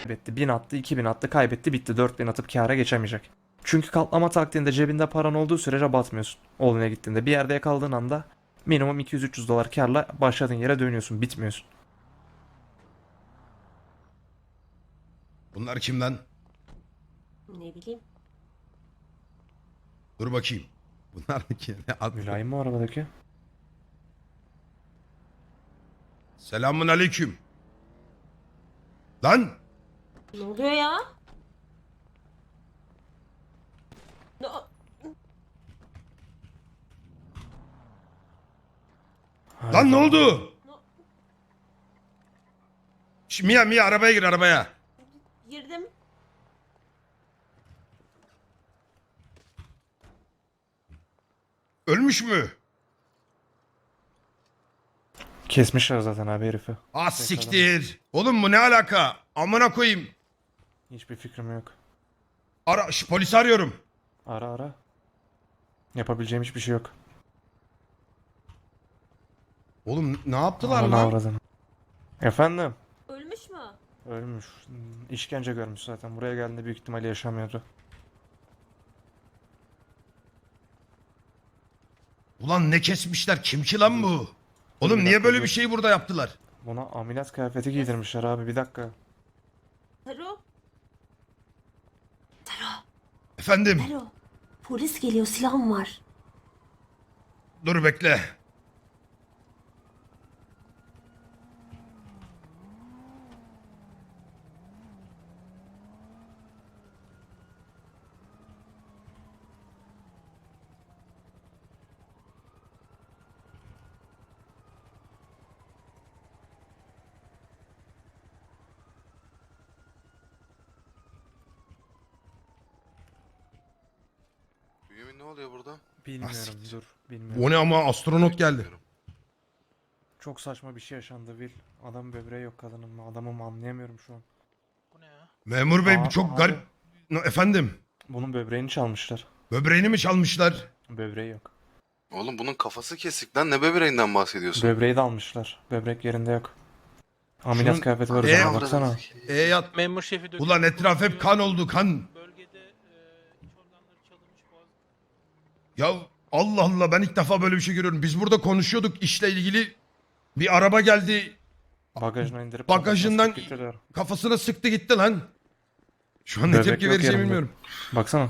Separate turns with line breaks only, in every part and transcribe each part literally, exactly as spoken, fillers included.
kaybetti. bin attı, iki bin attı, kaybetti, bitti. dört bin atıp kâra geçemeyecek. Çünkü katlama taktiğinde cebinde paran olduğu sürece batmıyorsun. Oğluna gittiğinde bir yerde yakaladığın anda minimum iki yüz üç yüz dolar kârla başladığın yere dönüyorsun, bitmiyorsun.
Bunlar kim lan?
Ne bileyim.
Dur bakayım. Bunlar kim? Ad-
Mülayim mi o arabadaki?
Selamun aleyküm. Lan!
Ne oluyor ya? Ne?
Lan ne oldu?
Ne?
Şş, Mia Mia arabaya gir arabaya.
Girdim.
Ölmüş mü?
Kesmişler zaten abi herifi.
Ah siktir. Oğlum bu ne alaka? Amına koyayım.
Hiçbir fikrim yok.
Ara, şş, polisi arıyorum.
Ara ara. Yapabileceğim hiçbir şey yok.
Oğlum ne yaptılar
Ananı
lan?
avradını. Efendim?
Ölmüş mü?
Ölmüş. İşkence görmüş zaten. Buraya geldiğinde büyük ihtimalle yaşamıyordu.
Ulan ne kesmişler? Kim ki lan bu? Oğlum
Bir
niye
dakika,
böyle
dur.
bir şey burada yaptılar?
Buna ameliyat kıyafeti giydirmişler abi, bir dakika.
Taro. Taro.
Efendim?
Taro. Polis geliyor, silahım var.
Dur bekle.
Bünyamin ne oluyor burada?
Bilmiyorum,
siktir.
dur. Bilmiyorum.
O ne ama astronot geldi.
Bilmiyorum.
Çok saçma bir şey yaşandı Will. Adam böbreği yok kadının mı, adamı mı anlayamıyorum şu an.
Bu ne ya?
Memur bey
Aa,
bu çok
abi.
garip. No, efendim?
Bunun böbreğini çalmışlar.
Böbreğini mi çalmışlar?
Böbreği yok.
Oğlum bunun kafası kesik lan, ne böbreğinden bahsediyorsun?
Böbreği de almışlar. Böbrek yerinde yok. Ameliyat
Şunun-
kıyafeti var
Ee,
üzerine,
Amına
baksana.
koyayım.
E yat.
Memur şefi dökülmüş.
Ulan etraf hep kan oldu kan.
Bölgede e, iç organları çalınmış boğaz.
Ya Allah Allah ben ilk defa böyle bir şey görüyorum. Biz burada konuşuyorduk işle ilgili. Bir araba geldi
Bagajına indirip
bagajından
kafasına sıkıp gidiyor.
kafasına sıktı gitti lan. Şu an ne
Böbrek
tepki
yok
vereceğimi
yanında.
bilmiyorum.
Baksana.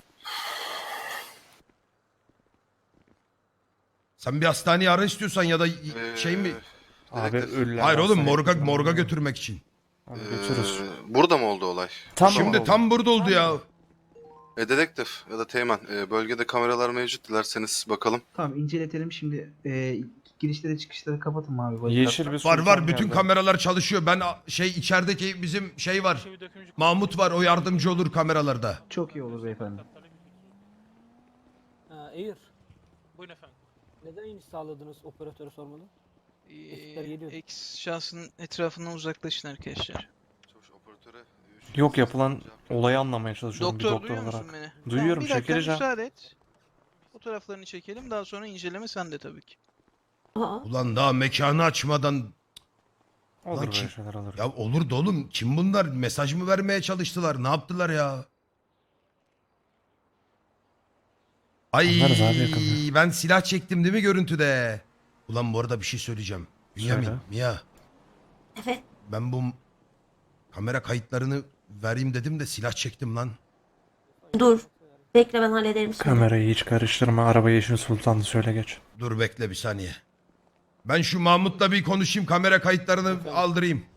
Sen bir hastaneyi ara istiyorsan ya da
Ee,
şey mi?
Abi
dedektif.
ölüler.
Hayır oğlum
hastaneye
morga
götürmem
morga
lazım.
götürmek için.
Abi götürürüz.
Ee, burada mı oldu olay?
Tam
Şimdi
oldu.
tam burada oldu ya.
E, dedektif ya da teğmen, e, bölgede kameralar mevcut, dilerseniz bakalım.
Tamam inceletelim şimdi. E, girişleri çıkışları kapatın abi. bodyguardlar.
Yeşil bir
Var
sultan
var bütün
geldi.
kameralar çalışıyor. Ben a- şey içerideki bizim şey var.
Şefi dökülmüş.
Mahmut var o yardımcı olur kameralarda.
Çok iyi olur beyefendi.
Ha, Air,
Buyurun efendim.
neden iniş sağladınız operatörü sormalı? Ekipler
Ee,
geliyor.
X şahsın etrafından uzaklaşın arkadaşlar.
Çavuş operatöre, e, üç-
Yok, yapılan
cevap ver.
olayı anlamaya çalışıyorum bir
Doktor
doktor
duyuyor
olarak.
musun beni?
Duyuyorum,
Tamam, bir dakika
çekileceğim.
müsaade et. Fotoğraflarını çekelim daha sonra inceleme sende tabii ki.
Aa.
Ulan daha mekanı açmadan
Olur
Lan
böyle
kim-
şeyler olur.
ya olur da oğlum kim bunlar mesaj mı vermeye çalıştılar ne yaptılar ya? Ay
Anlarız abi yakında.
ben silah çektim değil mi görüntüde? Ulan bu arada bir şey söyleyeceğim. Bünyamin,
Söyle.
Mia
Evet.
ben bu kamera kayıtlarını vereyim dedim de silah çektim lan.
Dur. Bekle, ben hallederim şimdi.
Kamerayı hiç karıştırma. Araba Yeşil Sultan'dı, söyle geç.
Dur bekle bir saniye. Ben şu Mahmut'la bir konuşayım kamera kayıtlarını aldırayım.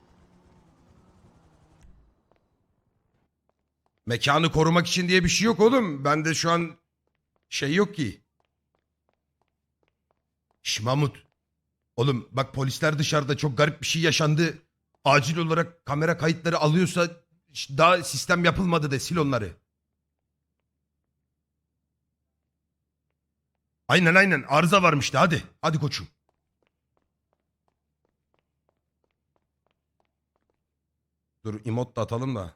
Mekanı korumak için diye bir şey yok oğlum. Bende şu an şey yok ki. Şş Mahmut. Oğlum bak polisler dışarıda çok garip bir şey yaşandı. Acil olarak kamera kayıtları alıyorsa ş- daha sistem yapılmadı de sil onları. Aynen aynen arıza varmıştı hadi. Hadi koçum. Dur emot da atalım da.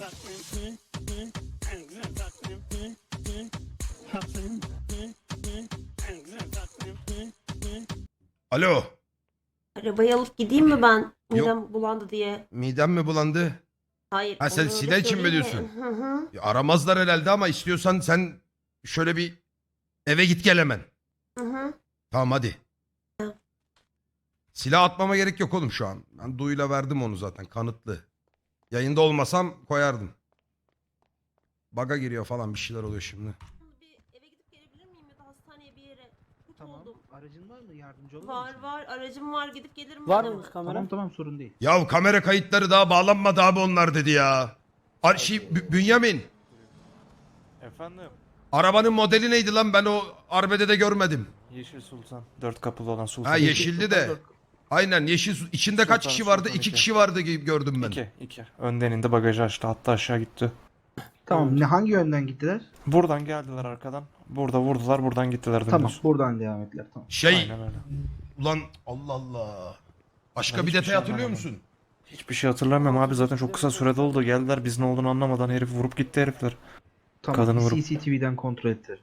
Alo.
Arabayı alıp gideyim mi ben?
Yok.
Midem bulandı diye.
Midem mi bulandı?
Hayır.
Ha, sen
onu öyle
Sila için mi
söyleyeyim
diyorsun?
Hı hı.
Ya aramazlar herhalde ama istiyorsan sen şöyle bir eve git gel hemen.
Hı hı.
Tamam hadi.
Tamam.
Silah atmama gerek yok oğlum şu an. Ben Duyu'yla verdim onu zaten kanıtlı. Yayında olmasam koyardım. Baga giriyor falan bir şeyler oluyor şimdi.
Bir eve gidip gelebilir miyim ya da hastaneye bir yere? Kötü
Tamam.
oldum.
Aracın var mı? Yardımcı olur
Var
musun?
var aracım var gidip gelirim.
Var
ben
mı
hemen.
kamera?
Tamam tamam sorun değil.
Ya kamera kayıtları daha bağlanmadı abi onlar dedi ya. Ar şey, Bü- Bünyamin.
Efendim?
Arabanın modeli neydi lan ben o arbedede görmedim.
Yeşil Sultan. Dört kapılı olan Sultan.
Ha yeşildi de. Aynen yeşil su- içinde kaç
Sultan,
kişi vardı?
Sultan
İki
iki.
kişi vardı gibi gördüm ben.
İki. iki. Önden indi bagajı açtı. Hatta aşağı gitti.
Tamam ne hangi yönden gittiler?
Buradan geldiler arkadan. Burada vurdular. Buradan gittiler dümdüz.
Tamam buradan devam ettiler tamam.
Şey
Aynen öyle.
ulan Allah Allah. Başka
Ben
bir
hiçbir
detay
şey
hatırlıyor
anlamadım.
musun?
Hiçbir şey hatırlamıyorum abi. Zaten çok kısa sürede oldu. Geldiler biz ne olduğunu anlamadan herif vurup gitti herifler.
Tamam
Kadını vurup-
C C T V'den kontrol ettiler.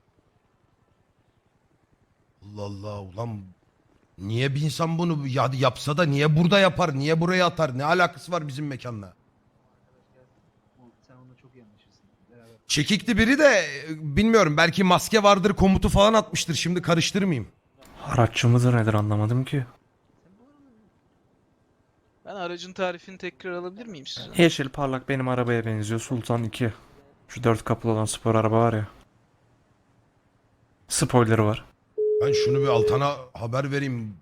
Allah Allah ulan niye bir insan bunu ya yapsa da niye burada yapar? Niye buraya atar? Ne alakası var bizim mekanla?
Sen onunla çok iyi anlaşırsın. Beraber.
Çekikli biri de e, bilmiyorum belki maske vardır komutu falan atmıştır. Şimdi karıştırmayayım.
Araççı mıdır nedir anlamadım ki.
Ben aracın tarifini tekrar alabilir miyim sizden?
Yeşil parlak benim arabaya benziyor. Sultan iki. Şu dört kapılı olan spor araba var ya. Spoiler'ı var.
Ben şunu bir Altan'a haber vereyim.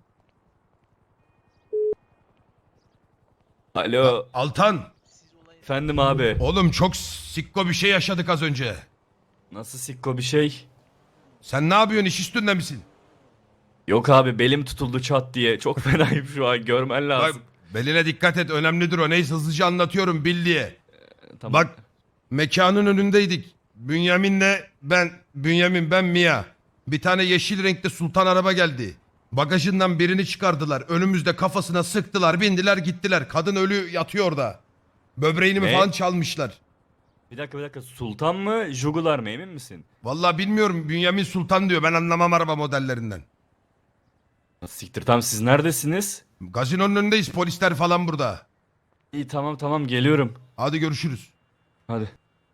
Alo,
Altan
efendim abi.
oğlum çok sikko bir şey yaşadık az önce.
Nasıl sikko bir şey?
Sen ne yapıyorsun iş üstünde misin?
Yok abi belim tutuldu çat diye. Çok fenayım şu an görmen
Bak,
lazım.
beline dikkat et önemlidir o. Neyse hızlıca anlatıyorum bil diye.
Tamam.
Bak mekanın önündeydik. Bünyamin'le ben, Bünyamin ben Mia. Bir tane yeşil renkli sultan araba geldi. Bagajından birini çıkardılar. Önümüzde kafasına sıktılar, bindiler gittiler. Kadın ölü yatıyor orada. Böbreğini mi
Ne?
falan çalmışlar.
Bir dakika bir dakika Sultan mı Jugular mı emin misin?
Vallahi bilmiyorum Bünyamin Sultan diyor. Ben anlamam araba modellerinden.
Siktir tamam siz neredesiniz?
Gazinonun önündeyiz polisler falan burada.
İyi tamam tamam geliyorum.
Hadi görüşürüz.
Hadi.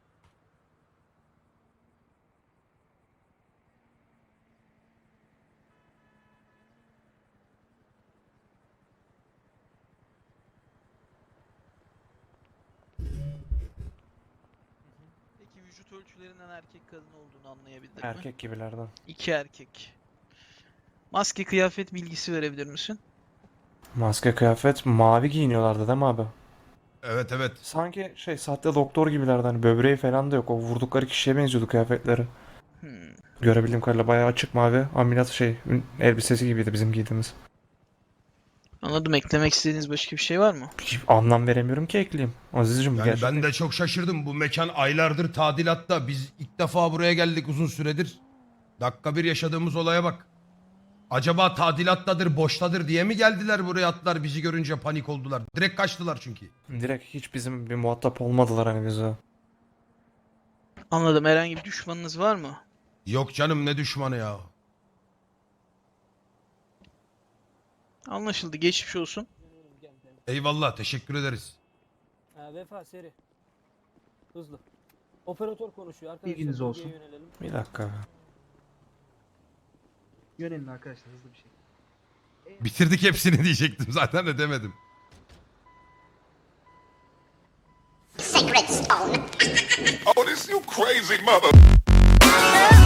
Peki vücut ölçülerinden erkek kadın olduğunu anlayabildin mi?
Erkek gibilerden.
İki erkek. Maske kıyafet bilgisi verebilir misin?
Maske kıyafet mavi giyiniyorlardı değil mi abi?
Evet evet.
Sanki şey sahte doktor gibilerden hani böbreği falan da yok. O vurdukları kişiye benziyordu kıyafetleri.
Hmm.
Görebildiğim kadarıyla bayağı açık mavi. Ameliyat şey ün- elbisesi gibiydi bizim giydiğimiz.
Anladım. Eklemek istediğiniz başka bir şey var mı?
Hiç anlam veremiyorum ki ekleyeyim. Aziz'cim bu
Yani
gerçekten.
ben de çok şaşırdım. Bu mekan aylardır tadilatta. Biz ilk defa buraya geldik uzun süredir. Dakika bir yaşadığımız olaya bak. Acaba tadilattadır, boştadır diye mi geldiler buraya atlar bizi görünce panik oldular. Direkt kaçtılar çünkü.
Direkt hiç bizim bir muhatap olmadılar hani bize.
Anladım. Herhangi bir düşmanınız var mı?
Yok canım ne düşmanı ya.
Anlaşıldı. Geçmiş olsun.
Gel, gel.
Eyvallah teşekkür ederiz.
Ha, vefa seri. Hızlı. Operatör konuşuyor arkadaşlar.
Bilginiz olsun.
bölgeye yönelelim.
Bir dakika.
Yönelin arkadaşlar hızlı bir şey.
Bitirdik hepsini diyecektim zaten de demedim.
Sacred stone. Oh, this you crazy mother.